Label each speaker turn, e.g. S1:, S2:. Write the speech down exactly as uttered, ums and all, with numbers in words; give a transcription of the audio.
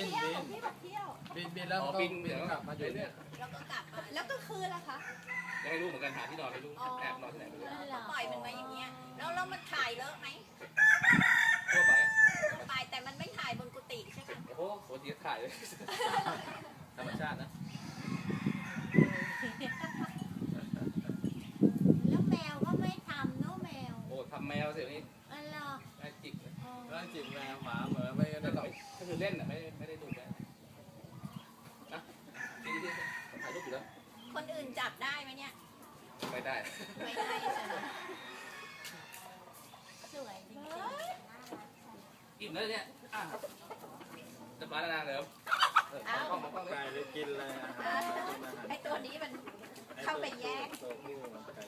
S1: เที่ยวพี่บอกเที่ยว
S2: บินบินแล้วก็บินกลับมาอยู่เนี่ย
S1: แล้วก็กลับมาแล้วก็คืนล่ะคะ
S3: ยังไม่รู้เหมือนกันหาที่นอนไม่รู้แอบนอนที่ไหนไม่รู้
S1: ปล่อยมันมาอย่างเงี้ยแล้วแล้วมันถ่ายเลอะไหม
S3: ทั่วไป
S1: ทั่วไปแต่มันไม่ถ่ายบนกุฏิใช่ไหม
S3: โอ้โหโคตรเยอะถ่ายเลยธรรมชาตินะ
S1: แล้วแมวก็ไม่ทำเนาะแมว
S3: โอ้ทำแมวเสียนี้
S1: อ๋อเหรอ
S3: แม่จิกเลย
S2: แม่จิกแมวหมาเหมือนไม่ได้ต่อย
S3: ก็คือเล่นอ่ะไม่ไม่ได้ดูแลนะที่ที่ถ่ายรูปอยู่แล้ว
S1: คนอื่นจับได้ไหมเนี่ย
S3: ไม่ได้
S1: ไม่ได้ใช่ไหมสวยจริง
S3: อิ่มแล้วเนี่ยจะมาแล้วนะเดี๋ยว
S2: เอาต้องไปกินเลย
S1: ไอตัวนี้มันเข้าไปแยก